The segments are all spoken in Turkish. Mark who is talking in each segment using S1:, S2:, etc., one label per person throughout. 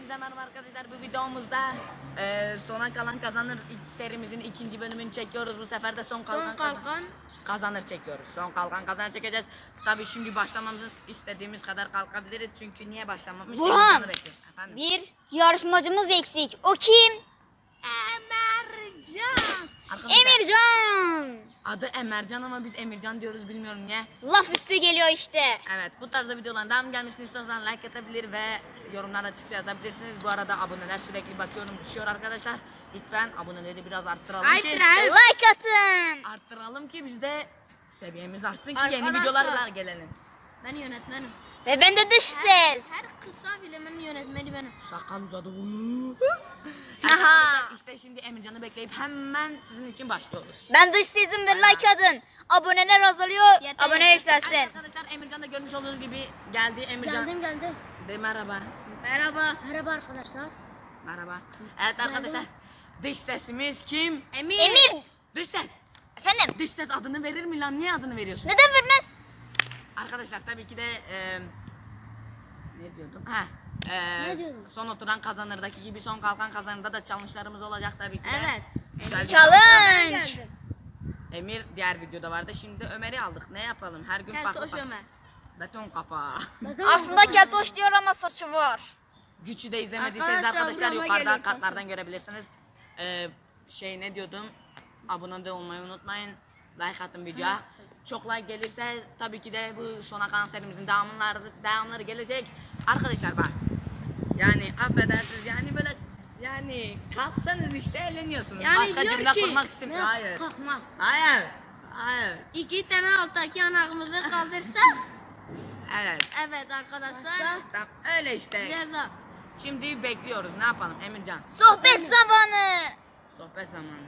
S1: Hepinize merhaba arkadaşlar. Bu videomuzda sona kalan kazanır serimizin ikinci bölümünü çekiyoruz. Bu sefer de son kalan kazanır çekiyoruz. Son kalan kazanır çekeceğiz. Tabii şimdi başlamamızı istediğimiz kadar kalkabiliriz. Çünkü niye başlamamış?
S2: Burhan, bir yarışmacımız eksik. O kim?
S1: Emircan.
S2: Emircan.
S1: Adı Emircan ama biz Emircan diyoruz, bilmiyorum niye.
S2: Laf üstü geliyor işte.
S1: Evet, bu tarzda videoların devam gelmesini istiyorsanız like atabilir ve yorumlar açıkça yazabilirsiniz. Bu arada aboneler sürekli bakıyorum düşüyor arkadaşlar. Lütfen aboneleri biraz arttıralım ki.
S2: Like atın.
S1: Arttıralım ki biz de seviyemiz artsın ki
S3: Arkadaşlar,
S1: yeni videolarla gelelim.
S3: Ben yönetmenim.
S2: Ve ben de dış ses.
S3: Her kısa filmin yönetmeni benim.
S1: Sakal uzadı.
S2: Haha.
S1: Arkadaşlar işte şimdi Emircan'ı bekleyip hemen sizin için başlıyoruz.
S2: Ben dış sesim ve like atın. Aboneler azalıyor.
S3: Yeter,
S2: Abone
S3: yeter.
S2: yükselsin.
S1: Arkadaşlar Emircan da görmüş olduğunuz gibi geldi. Emircan.
S3: Geldim.
S1: De merhaba.
S3: Merhaba. Merhaba arkadaşlar.
S1: Merhaba. Evet arkadaşlar. Dış sesimiz kim?
S2: Emir.
S1: Dış ses.
S2: Efendim.
S1: Dış ses adını verir mi lan? Niye adını veriyorsun?
S2: Neden vermez?
S1: Arkadaşlar tabii ki de ne diyordum?
S3: Ne diyordun?
S1: Son oturan kazanırdaki gibi son kalkan kazanırda da challenge'larımız olacak tabii ki de.
S3: Evet.
S1: Güzel bir
S2: Challenge.
S1: Emir diğer videoda vardı. Şimdi Ömer'i aldık. Ne yapalım? Her gün farklı.
S3: Keltoş Ömer.
S1: Beton kafa.
S2: Aslında keltoş diyor ama saçı var.
S1: Güçü de izlemediyseniz
S3: Arkadaşlar,
S1: arkadaşlar
S3: burama
S1: yukarıda
S3: geliyor,
S1: kartlardan görebilirsiniz. Ne diyordum? Abone de olmayı unutmayın. Like atın videoya. Çok like gelirse tabii ki de bu sona kalan serimizin devamları gelecek. Arkadaşlar bak. Yani affedersiniz yani böyle yani kalksanız işte eğleniyorsunuz.
S3: Yani
S1: Başka
S3: diyor
S1: cümle
S3: ki,
S1: kurmak istemiyorum. Hayır.
S3: Kalkma.
S1: Hayır. Hayır.
S3: 2 tane alttaki yanağımızı kaldırsak.
S1: Evet.
S3: Evet arkadaşlar.
S1: Tamam, öyle işte.
S3: Ceza.
S1: Şimdi bekliyoruz. Ne yapalım Emircan?
S2: Sohbet zamanı.
S1: Sohbet zamanı.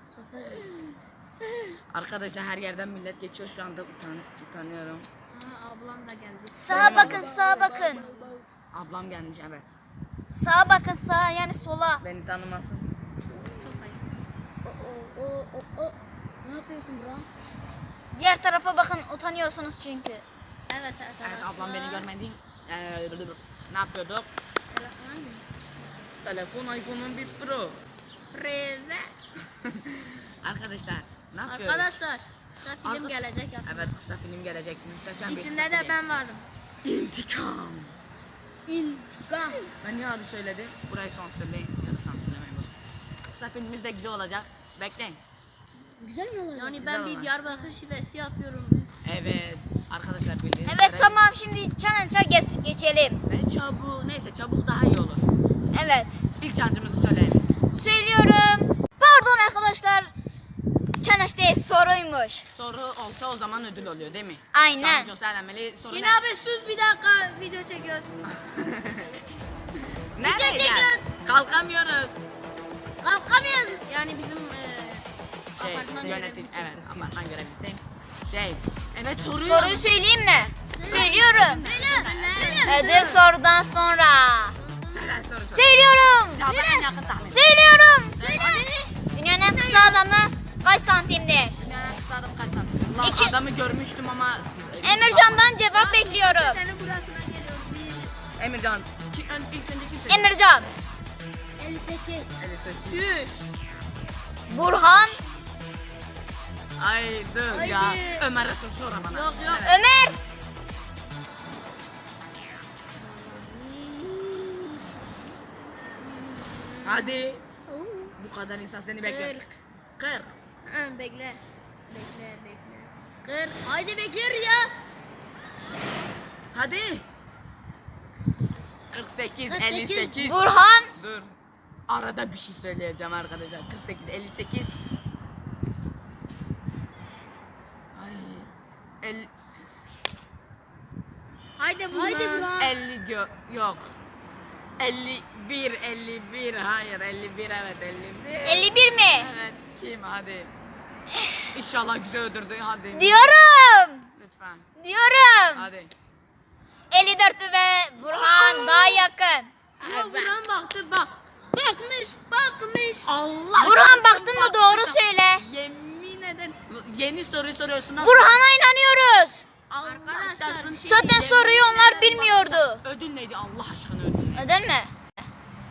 S1: Arkadaşlar her yerden millet geçiyor şu anda utanıyorum.
S3: Aa, ablam da geldi.
S2: Sağa bakın, sağa bakın.
S1: Ablam gelmiş evet.
S2: Sağa bakın, sağa yani sola.
S1: Beni tanımasın.
S3: Çok ayıp. Ne yapıyorsun bro?
S2: Diğer tarafa bakın, utanıyorsunuz çünkü.
S3: Evet arkadaşlar.
S1: Evet ablam beni görmedi. Ne yapıyorduk?
S3: Telefon mu?
S1: Telefon iPhone'un bir Pro.
S3: Preze.
S1: Arkadaşlar ne yapıyoruz?
S3: Arkadaşlar. Kısa film
S1: Arka-
S3: gelecek ya.
S1: Evet kısa film gelecek. Muhteşem bir
S3: İçinde
S1: kısa
S3: de
S1: film.
S3: ben varım.
S1: İntikam.
S3: İntikam.
S1: Ben niye adı söyledim? Burayı sansürleyin. Ya da sansürlemeyin boş. Kısa filmimiz de güzel olacak. Bekleyin.
S3: Güzel mi olacak? Yani
S1: Güzel
S3: ben
S1: olacak.
S3: bir Diyarbakır şivesi yapıyorum.
S1: Evet. Arkadaşlar bildiğiniz
S2: Evet
S1: üzere-
S2: tamam, şimdi challenge'a geçelim.
S1: Ne çabuk. Neyse çabuk daha iyi olur.
S2: Evet.
S1: İlk challenge'ımızı söyleyelim.
S2: Söylüyorum. Pardon arkadaşlar. Challenge değil, soruymuş.
S1: Soru olsa o zaman ödül oluyor değil mi?
S2: Aynen.
S1: Challenge olsa eğlenmeli. Soru
S3: Şimdi abi sus bir dakika video çekiyoruz.
S1: Nereye
S3: çekiyoruz.
S1: gel? Kalkamıyoruz.
S3: Kalkamıyoruz. Yani bizim apartman
S1: Yönetim.
S3: görevlisi.
S1: Evet apartman görevlisiyim. Evet soruyu.
S2: Soruyu söyleyeyim mi? Söylüyorum.
S3: Söyle.
S2: Ödül sorudan sonra.
S1: Söyle soru.
S2: Söylüyorum.
S1: Cevabı en yakın tahmin.
S2: Söylüyorum.
S1: Söyle.
S2: Dünyanın en kısa adamı kaç santimdir?
S1: Dünyanın en kısa adamı kaç santim? Lan
S2: İki-
S1: adamı görmüştüm ama.
S2: Emircan'dan cevap bekliyorum.
S3: Senin burasına geliyoruz.
S1: Emircan. İlk önce kim söyledi?
S2: Emircan.
S3: 58.
S1: 58.
S3: Çüş.
S2: Burhan.
S1: Ay dur ya.
S3: Haydi.
S1: Ömer Resul sonra bana.
S3: Yok, yok.
S1: Evet.
S2: Ömer.
S1: Hadi. Bu kadar insan seni bekliyor.
S3: 40.
S1: 40.
S3: Ha, bekle. Bekle. 40. Haydi bekliyoruz ya.
S1: Hadi. 48,
S3: 48.
S1: 58.
S2: Burhan.
S1: Dur. Arada bir şey söyleyeceğim arkadaşlar. 48, 58. Ay. 50,
S3: Haydi Burhan.
S1: 50 yok. 51, 51. Hayır, 51 evet 51.
S2: 51 mi?
S1: Evet, kim hadi. İnşallah güzel öldürdü hadi.
S2: Diyorum.
S1: Lütfen.
S2: Diyorum.
S1: Hadi.
S2: 54 ve Burhan daha yakın.
S3: Ya Burhan baktı bak. Bakmış.
S1: Allah.
S2: Burhan baktın mı doğru söyle.
S1: Yemin ederim. Yeni soruyu soruyorsun. Nasıl?
S2: Burhan'a inanıyoruz.
S1: Allah
S3: Arkadaşlar,
S1: çarpsın.
S3: bir şey
S2: Zaten
S1: Yemin
S2: soruyu onlar
S1: ederim
S2: bilmiyordu.
S1: Ödül neydi Allah aşkına ödül neydi?
S2: Neden mi?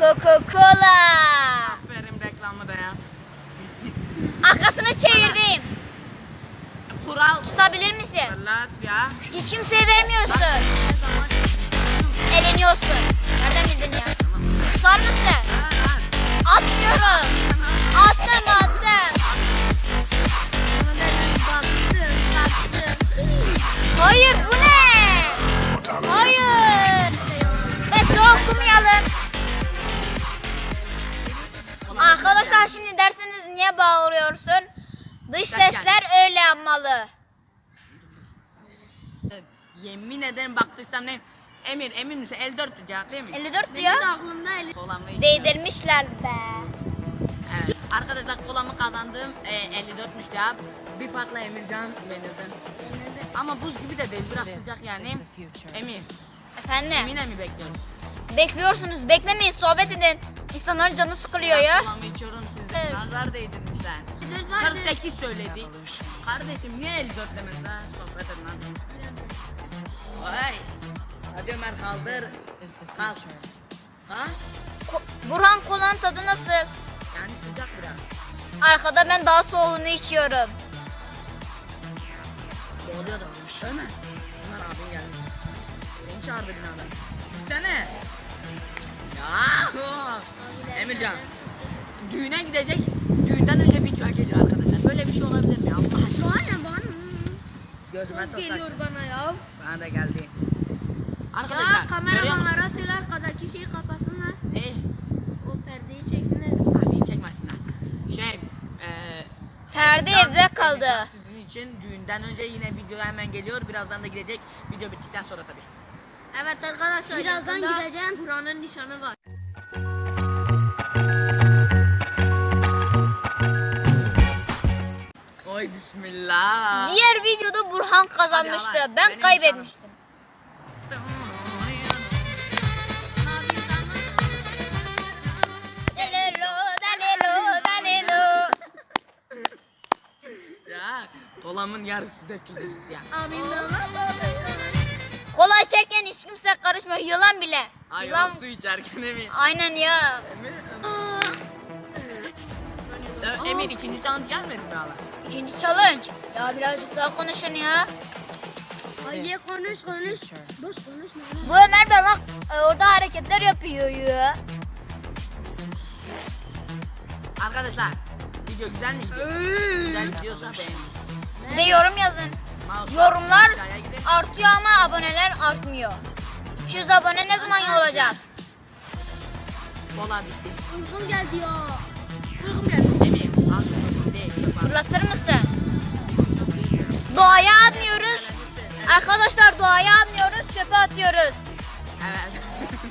S2: Coca-Cola.
S1: Aferin reklamı da ya.
S2: Arkasını çevirdim.
S1: Kural.
S2: Tutabilir misin?
S1: Fırlat ya.
S2: Hiç kimseye vermiyorsun. Eleniyorsun. Nereden bildin ya? Tutar mısın? Atmıyorum. Attım. Hayır bu ne? Hayır. Bekle okumayalım. Arkadaşlar şimdi derseniz niye bağırıyorsun? Dış sesler öyle yapmalı.
S1: Yemin ederim baktıysam ne? Emir emin misin? 54 tutacak değil mi?
S2: 54
S3: Benim de
S2: diyor.
S3: aklımda
S1: Kolamı içiyorum.
S2: Değdirmişler be.
S1: Evet. Arkadaşlar kolamı kazandım. 54'müş ya. Bir farkla Emircan benirden. Ama buz gibi de değil. Biraz sıcak yani. Emir.
S2: Efendim
S1: Yine mi bekliyoruz?
S2: bekliyorsunuz, beklemeyin, sohbet edin. İnsanların canı sıkılıyor ya.
S1: Kolamı içiyorum sizde.
S2: Evet.
S1: Nazar değdirmişler.
S3: 54 vardı.
S1: 48 söyledi. Kardeşim niye 54 demediler? Sohbet edin lan. Vay. Hadi Ömer kaldır. Kalk. Ha?
S2: Burhan kolanın tadı nasıl?
S1: Yani sıcak biraz.
S2: Arkada ben daha soğuğunu içiyorum.
S1: Doğruyordu. Ömer. Ömer abin geldi. Seni çağırdı binadan. Gitsene. Ya. Emircan. Düğüne gidecek. Düğünden önce bir çay geliyor arkadaşlar. Böyle bir şey olabilir mi? Allah aşkına.
S3: Bana.
S1: Gözüme
S3: Çok geliyor
S1: taşlaştı.
S3: bana ya.
S1: Bana da geldi.
S3: Ya
S1: Arkadaşlar görüyor musunuz?
S3: kameramanlara söyle arkadaki şeyi kapasınlar. O perdeyi çeksinler.
S1: Hadi çekmesinler.
S2: Perde
S1: Emircan-
S2: evde kaldı.
S1: Emircan sizin için düğünden önce yine video hemen geliyor. Birazdan da gidecek. Video bittikten sonra tabii.
S3: Evet arkadaşlar. Birazdan gideceğim. Buranın nişanı var.
S1: Oy bismillah.
S2: Diğer videoda Burhan kazanmıştı.
S1: Hadi Allah,
S2: Ben
S1: benim
S2: kaybetmiştim. Dalelo.
S1: Ya kolamın yarısı döküldü gitti ya.
S3: Abim de
S2: Kola içerken hiç kimse karışmıyor. Yılan bile.
S1: Ay
S2: Yılan.
S1: o su içerken Emir.
S2: Aynen ya.
S1: Emir ikinci challenge gelmedi mi hala?
S2: İkinci challenge. Ya birazcık daha konuşun ya.
S3: Ay konuş. Boş konuşma.
S2: Bu Ömer de bak orada hareketler yapıyor ya.
S1: Arkadaşlar video güzel mi gidiyor? Güzel gidiyorsa beğenin.
S2: Bir de yorum yazın.
S1: Mouse'u
S2: Yorumlar
S1: aşağıya gidin.
S2: artıyor ama aboneler artmıyor. 200 abone ne zaman olacak?
S1: Kola bitti.
S3: Uykum geldi ya. Uykum geldi.
S1: Emir al şunu değil. Çöp al.
S2: Fırlatır mısın? Doğaya atmıyoruz. Arkadaşlar doğaya atmıyoruz, çöpe atıyoruz.
S1: Evet.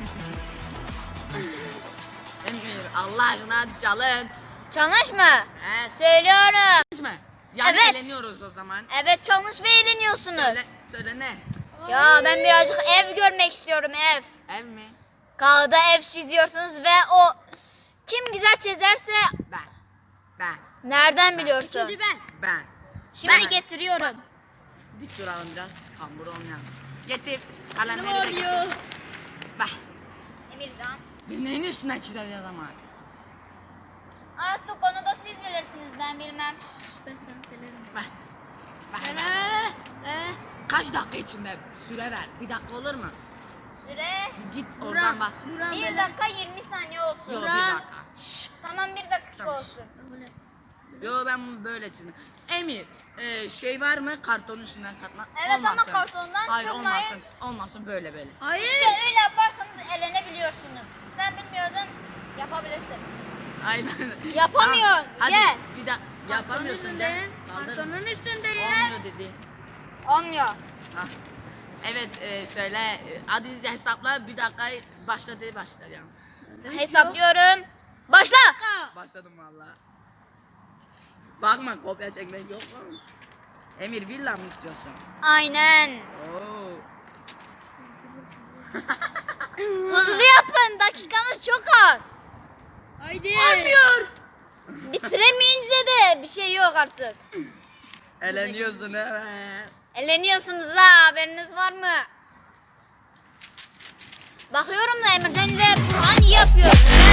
S1: Emir Allah aşkına hadi challenge.
S2: Challenge mı?
S1: Evet.
S2: Söylüyorum.
S1: Mi? Yani
S2: Evet.
S1: eğleniyoruz o zaman.
S2: Evet challenge ve eğleniyorsunuz.
S1: Söyle ne?
S2: Ya ben birazcık ev görmek istiyorum ev.
S1: Ev mi?
S2: Kağıda ev çiziyorsunuz ve o kim güzel çizerse
S1: Ben.
S2: nereden biliyorsun?
S3: İkinci ben.
S1: Ben.
S2: Şimdi
S1: Ben.
S2: getiriyorum.
S1: Dik duralım biraz. Kambur olmayalım. Getir. Kalemleri
S3: Ne
S1: de
S3: oluyor?
S1: getir. Bak.
S2: Emircan.
S1: Biz neyin üstüne çizeceğiz ama?
S2: Artık onu da siz bilirsiniz ben bilmem.
S3: Ben sana söylerim.
S1: Bak. Bak.
S3: Ee,
S1: Kaç dakika içinde süre ver? Bir dakika olur mu?
S2: Süre
S1: Git oradan bak.
S3: Buran
S2: 1
S3: böyle.
S2: dakika 20 saniye olsun.
S1: Yo bir
S3: Burak.
S1: dakika.
S2: Tamam 1 dakika
S1: Tamam.
S2: olsun.
S3: Böyle.
S1: Yo ben bunu böyle çizdim. Emir şey var mı kartonun üstünden katmak?
S2: Evet ama
S1: Olmasın.
S2: kartondan
S1: Hayır
S2: çıkmayın.
S1: olmasın. Olmasın böyle böyle.
S3: Hayır.
S2: İşte öyle yaparsanız elenebiliyorsunuz. Sen bilmiyordun yapabilirsin.
S1: Aynen.
S2: Yapamıyorsun,
S1: Tamam, hadi
S2: gel.
S1: bir dakika.
S3: Kartonun
S1: Yapamıyorsun
S3: üstünde.
S1: de. Kaldır.
S3: Kartonun üstünde ya.
S1: Olmuyor dedi.
S2: Olmuyor.
S1: Hah. Evet söyle. Hadi hesapla bir dakika başladı başlayalım.
S2: Hesaplıyorum. Başla.
S1: Başladım valla. Bakma kopya çekmek yok mu? Emir villa mı istiyorsun?
S2: Aynen.
S1: Oo.
S2: Hızlı yapın. Dakikanız çok az.
S3: Haydi.
S2: Olmuyor. Bitiremeyince de bir şey yok artık.
S1: Eleniyorsun evet.
S2: Eleniyorsunuz ha, haberiniz var mı? Bakıyorum da Emircan ile Burhan iyi yapıyor.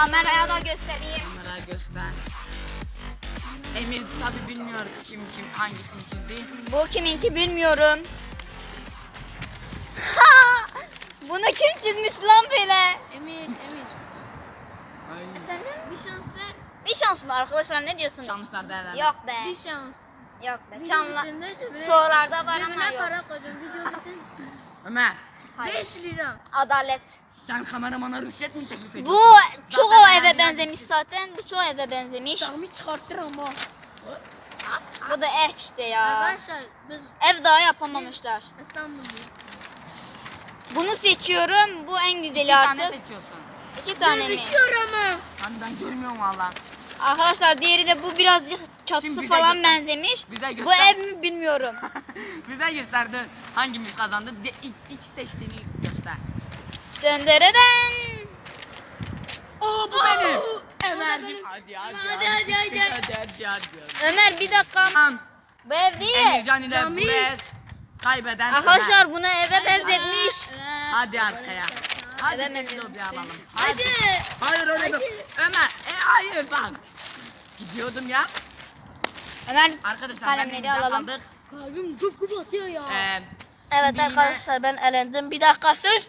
S2: Kameraya da göstereyim.
S1: Kamera göster. Emir tabi bilmiyor kim hangisini çizdi.
S2: Bu kiminki bilmiyorum. Ha! Bunu kim çizmiş lan böyle?
S3: Emir.
S2: Efendim?
S3: Bir şans ver.
S2: Bir şans mı arkadaşlar, ne diyorsunuz?
S1: Şanslar değerlendir.
S2: Yok be.
S3: Bir şans.
S2: Yok be.
S3: Video
S2: Çanla.
S3: bitince cebine-
S2: Sorularda var ama
S3: Cebine
S2: yok.
S3: para koyacağım. Video bitsin.
S1: Ömer,
S2: Hayır.
S3: 5 lira.
S2: Adalet.
S1: sen kameramana rüşvet mi teklif ediyorsun?
S2: Bu çok o
S1: Zaten
S2: eve
S1: ben-
S2: benzemiş zaten. Bu çok eve benzemiş.
S3: Tahmin çıkarttır ama.
S2: Bu da ev işte ya.
S3: Arkadaşlar biz
S2: Ev daha yapamamışlar.
S3: İstanbul'dayız.
S2: Bunu seçiyorum. Bu en güzeli
S1: İki tane
S2: artık.
S1: seçiyorsun.
S2: 2 tane mi?
S3: Gözüküyor ama.
S1: Hani ben görmüyorum valla.
S2: Arkadaşlar diğeri de bu birazcık
S1: Şimdi
S2: çatısı
S1: bize
S2: falan
S1: göster.
S2: benzemiş.
S1: Bize
S2: Bu
S1: göster.
S2: ev mi bilmiyorum.
S1: Bize gösterdi hangimiz kazandı. İlk seçtiğini göster.
S2: Döndüreden.
S1: Oo bu benim.
S3: O da
S1: Ömerciğim.
S3: benim.
S1: Hadi
S3: Hadi.
S2: Ömer bir dakika.
S1: Lan
S2: Bu ev değil.
S1: Emircan ile
S3: Cami.
S1: Burez kaybeden Ömer.
S2: Arkadaşlar bunu eve benzetmiş.
S1: Hadi arkaya. Hadi
S2: Evet,
S1: sessiz
S2: evet,
S1: ol bir
S2: evet.
S1: alalım.
S3: Hadi.
S1: Hayır öyle değil. Ömer. Hayır bak. Gidiyordum ya.
S2: Ömer
S1: Arkadaşlar ben
S2: kalemleri
S1: Emircan
S2: alalım.
S1: kaldık.
S3: Kalbim gup gup atıyor ya.
S4: Evet
S1: Şimdi
S4: arkadaşlar ben elendim. Bir dakika sus.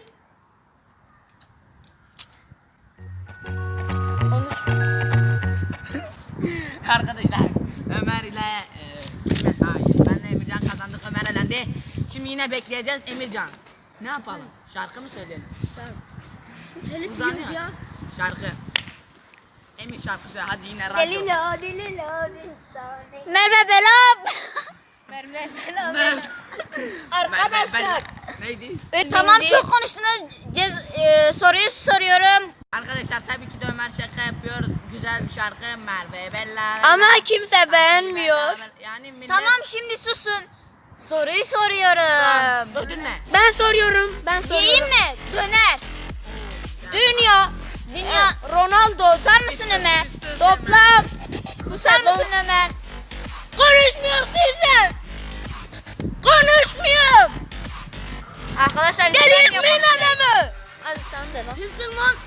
S4: Konuş.
S1: Arkadaşlar Ömer ile hayır benle Emircan kazandık, Ömer elendi. Şimdi yine bekleyeceğiz Emircan. Ne yapalım? Şarkı mı söyleyelim?
S3: Telif
S1: Uzanıyor.
S3: yiyoruz ya.
S1: Şarkı. Emir şarkı söyle hadi yine radyo.
S2: Merve Belam.
S4: Arkadaşlar.
S1: Neydi?
S2: Tamam çok konuştunuz. Soruyu soruyorum.
S1: Arkadaşlar tabii ki de Ömer şaka yapıyor. Güzel bir şarkı Merve Bella.
S4: Ama kimse beğenmiyor.
S1: Yani millet...
S2: Tamam şimdi susun. Soruyu soruyorum.
S1: Ödül ne?
S4: Ben soruyorum.
S2: Diyeyim mi? Döner.
S4: Dünya.
S2: Dünya.
S4: Ronaldo.
S2: Susar mısın Ömer?
S4: Toplam.
S2: Susar mısın Ömer?
S4: Konuşmuyor size. Konuşmuyor.
S2: Arkadaşlar
S4: Delirtmeyin adamı. Hadi sen de lan.
S3: Kimsin lan?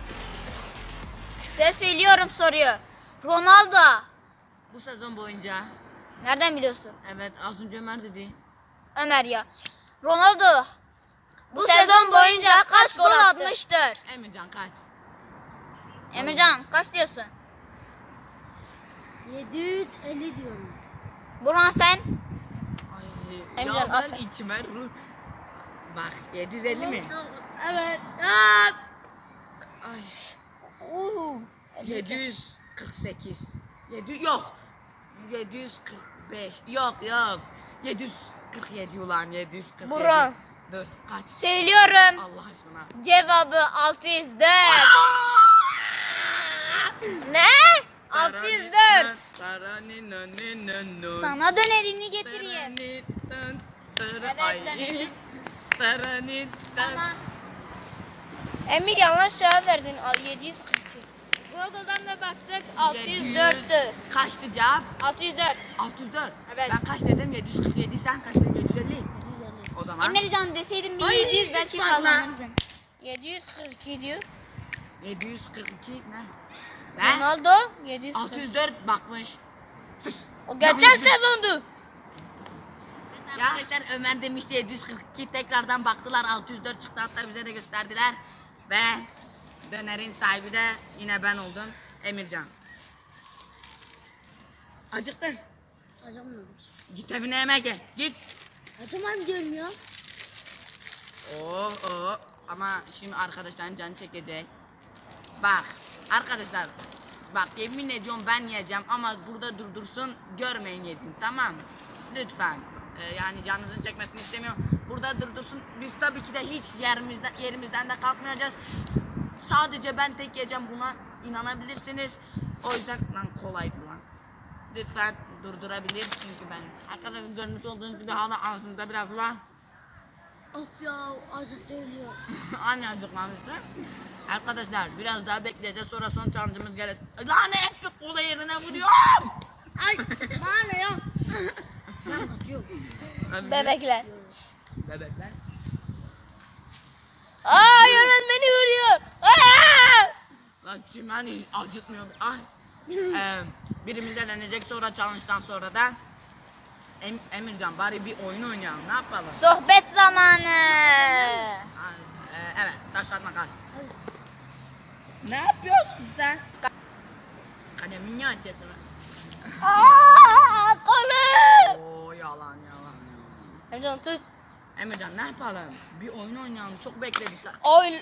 S2: size söylüyorum soruyu. Ronaldo.
S1: Bu sezon boyunca.
S2: Nereden biliyorsun?
S1: Evet az önce Ömer dedi.
S2: Ömer ya. Ronaldo. Bu
S4: sezon
S2: sezon boyunca
S4: boyunca
S2: kaç
S4: kaç
S2: gol
S4: gol attı?
S2: atmıştır?
S1: Emircan kaç?
S2: Emircan kaç diyorsun?
S3: 750 diyorum.
S2: Burhan sen?
S1: Ay,
S4: Emircan,
S1: ya ben
S4: aferin.
S1: içime ruh. Bak 750 mi?
S3: Evet.
S1: Ay. 748. 7 yok. 745. Yok. 747 ulan 747.
S4: Burhan.
S1: Dur kaç?
S2: Söylüyorum.
S1: Allah aşkına.
S2: Cevabı 604.
S4: Ne?
S2: 604.
S1: Sana
S2: Sana dönerini getireyim. Evet
S1: Ay.
S2: dönerim.
S1: Tamam.
S2: Tamam.
S4: Emir yanlış cevap verdin. 742.
S2: Google'dan da baktık 604'tü.
S1: Kaçtı cevap?
S2: 604.
S1: 604.
S2: Evet.
S1: Ben kaç dedim? 747 sen kaç dedin? 750. O zaman
S2: Emircan deseydim bir
S1: Ay,
S2: 700 belki
S1: üç var lan.
S2: kazanırdın.
S4: 742 diyor.
S1: 742 ne? Ne?
S4: Ronaldo 742.
S1: 604 bakmış. Sus.
S4: O geçen
S1: Yanlış bir-
S4: sezondu.
S1: Ya arkadaşlar Ömer demişti 742 tekrardan baktılar 604 çıktı hatta bize de gösterdiler. Ve dönerin sahibi de yine ben oldum Emircan. Acıktın.
S3: Acımıyorum.
S1: Git evine yemek ye. Git.
S3: Acımam diyorum ya.
S1: Oo. Ama şimdi arkadaşların canı çekecek. Bak arkadaşlar. Bak yemin ediyorum ben yiyeceğim ama burada durdursun görmeyin yedim tamam mı? Lütfen. Yani canınızın çekmesini istemiyorum. Burada durdursun. Biz tabii ki de hiç yerimizden de kalkmayacağız. Sadece ben tek yiyeceğim buna inanabilirsiniz. O yüzden lan kolaydı lan. Lütfen durdurabilir çünkü ben. Arkadaşlar görmüş olduğunuz gibi hala ağzımda biraz var.
S3: Of ya acık ölüyor.
S1: Anne acıkmamıştı. Arkadaşlar biraz daha bekleyeceğiz sonra son challenge'ımız gelecek. Lan hep bir kola yerine vuruyorum.
S3: Ay bana ne ya? Ben kaçıyorum.
S4: Bebekler.
S1: Bebekler.
S4: Aa yönetmeni vuruyor. Aa!
S1: Lan çimen hiç acıtmıyor. Ay. Birimiz elenecek sonra challenge'dan sonra da Emircan bari bir oyun oynayalım. Ne yapalım?
S2: Sohbet zamanı.
S1: Evet, taş kağıt makas. Ne yapıyorsun sen? Kalemin ya açıyorsun.
S4: Aaa kolum.
S1: Oo yalan.
S4: Emcan tut.
S1: Emircan ne yapalım? Bir oyun oynayalım. Çok bekledik.
S4: Oy.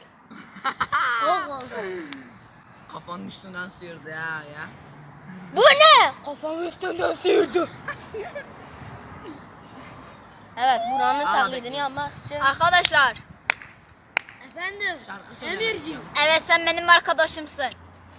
S1: Kafanın üstünden sıyırdı ya.
S4: Bu ne? Kafamı üstünden sıyırdı. Evet buranın
S1: Al
S4: taklidini
S1: bakayım.
S4: yapmak için.
S2: Arkadaşlar.
S3: Efendim.
S1: Şarkı söylemek
S3: Emirciğim.
S1: istiyorum.
S2: Evet sen benim arkadaşımsın.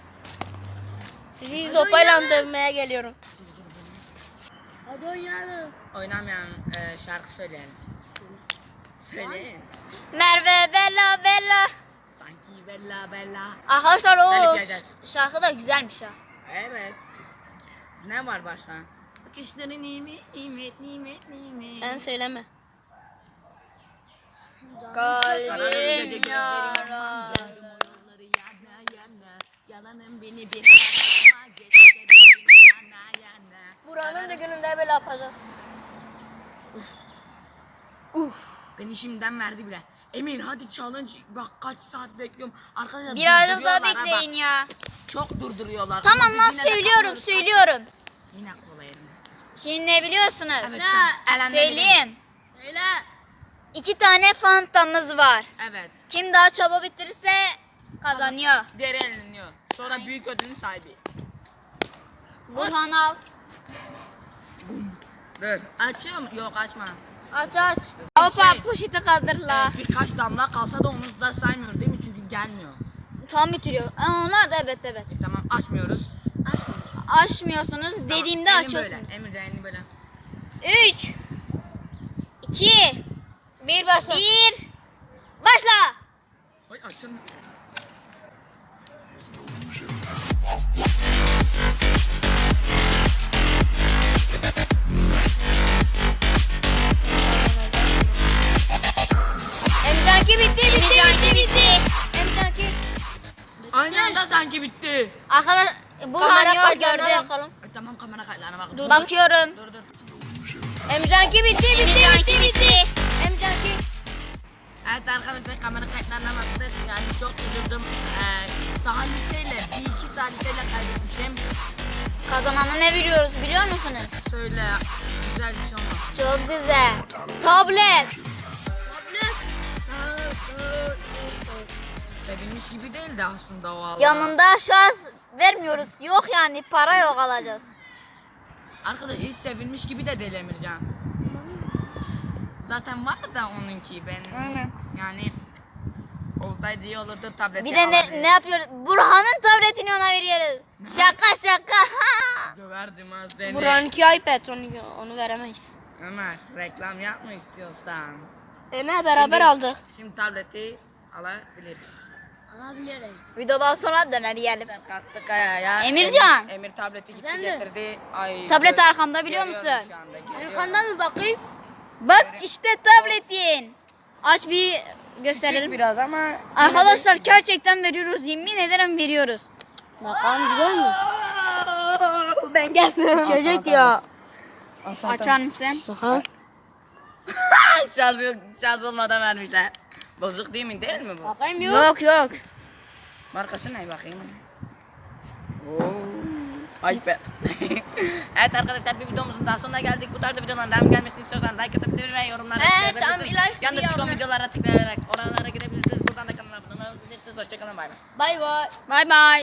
S4: Sizi sopayla dövmeye geliyorum.
S3: Hadi oynayalım.
S1: Oynamayan şarkı söyleyelim. Söyleyin.
S2: Merve Bella Bella.
S1: Sanki Bella.
S2: Arkadaşlar o
S1: Delik gel.
S2: şarkı da güzelmiş ha.
S1: Evet. Ne var başka? Bakışları nimet.
S4: Sen söyleme.
S2: Kalbim yara.
S1: Yolları yana. Yalanın beni bir yana.
S4: Buranın düğününde böyle yapacağız.
S1: Beni şimdiden verdi bile. Emir hadi challenge. Bak kaç saat bekliyorum. Arkadaşlar
S2: Birazcık daha
S1: durduruyorlar ha
S2: bekleyin
S1: bak.
S2: ya.
S1: Çok durduruyorlar.
S2: Tamam
S1: Ama
S2: lan
S1: biz yine de
S2: söylüyorum
S1: kalmıyoruz.
S2: söylüyorum.
S1: Yine kolay eline.
S2: Şimdi ne biliyorsunuz?
S1: Evet.
S3: Ha,
S1: elenmeyelim.
S2: Söyleyeyim.
S3: Söyle.
S2: 2 tane fantamız var.
S1: Evet.
S2: Kim daha çabuk bitirirse kazanıyor.
S1: Diğeri eleniyor. Sonra büyük ödülün sahibi.
S2: Burhan al.
S1: Dur. Açıyor mu? Yok açma.
S4: Aç.
S2: Hoppa poşeti kaldırla.
S1: Birkaç damla kalsa da onu da saymıyoruz değil mi? Çünkü gelmiyor.
S2: Tam bitiriyor. Onlar da evet.
S1: Tamam açmıyoruz.
S2: Açmıyorsunuz. Dediğimde
S1: Tamam, elini
S2: açıyorsunuz.
S1: Böyle. Emir de elini böyle.
S2: 3 2
S4: Bir başla.
S2: 1 Başla.
S1: Oy açın.
S4: Emcanki bitti.
S2: Bitti.
S4: Emcanki.
S1: Aynı anda sanki bitti.
S2: Arkadaş Burhan
S4: Kamera
S2: yok
S4: kayıtlarına
S2: gördüm.
S4: bakalım.
S1: Ay, tamam kamera kayıtlarına bak.
S2: Bakıyorum.
S1: Dur.
S4: Emcanki bitti.
S2: Bitti.
S4: Emcanki.
S1: Evet arkadaşlar kamera kayıtlarına baktık. Yani çok üzüldüm. Saliseyle bir iki saliseyle kaybetmişim.
S2: Kazanana ne veriyoruz biliyor musunuz?
S1: Söyle. Güzel bir şey olmaz.
S2: Çok güzel. Tablet.
S1: Sevinmiş gibi değildi aslında o Allah.
S2: Yanında şans vermiyoruz. Yok yani para yok alacağız.
S1: Arkadaş hiç sevinmiş gibi de değil Emircan. Zaten var da onunki ben.
S2: Aynen.
S1: Yani olsaydı iyi olurdu tableti
S2: Bir de
S1: alabilirim.
S2: ne yapıyoruz? Burhan'ın tabletini ona veriyoruz. Şaka.
S1: Döverdim ha seni.
S4: Buranınki iPad onu veremeyiz.
S1: Ömer reklam yapma istiyorsan.
S4: Ne beraber aldık.
S1: Şimdi tableti alabiliriz.
S3: Alabiliriz.
S2: Videodan sonra döner yiyelim.
S1: Kalktık ya.
S2: Emircan.
S1: Emir tableti gitti
S3: Efendim?
S1: getirdi. Ay,
S2: Tablet
S1: gör-
S2: arkamda biliyor
S1: görüyorum
S2: musun?
S1: şu anda, görüyorum.
S3: Arkanda mı bakayım?
S2: Bak işte tabletin. Aç bir
S1: Küçük
S2: gösterelim.
S1: biraz ama.
S2: Arkadaşlar gerçekten veriyoruz. Yemin ederim veriyoruz.
S4: Bakalım güzel mi? Ben geldim.
S1: Düşecek ya.
S2: Açar mısın?
S4: Bakalım.
S1: Şarj olmadan vermişler. Bozuk değil mi? Değil mi bu?
S4: Bakayım yok.
S2: Yok.
S1: Markası ne bakayım? iPad. Evet arkadaşlar bir videomuzun daha sonuna geldik. Bu tarz videoların devam gelmesini istiyorsan like atabilir ve yorumlara
S4: tamam,
S1: tıklayabilirsiniz.
S4: like
S1: Yanında
S4: bir
S1: çıkan
S4: yorum.
S1: videolara tıklayarak oralara gidebilirsiniz. Buradan da kanala abone olabilirsiniz. Hoşçakalın bay bay.
S4: Bay bay.
S2: Bay bay.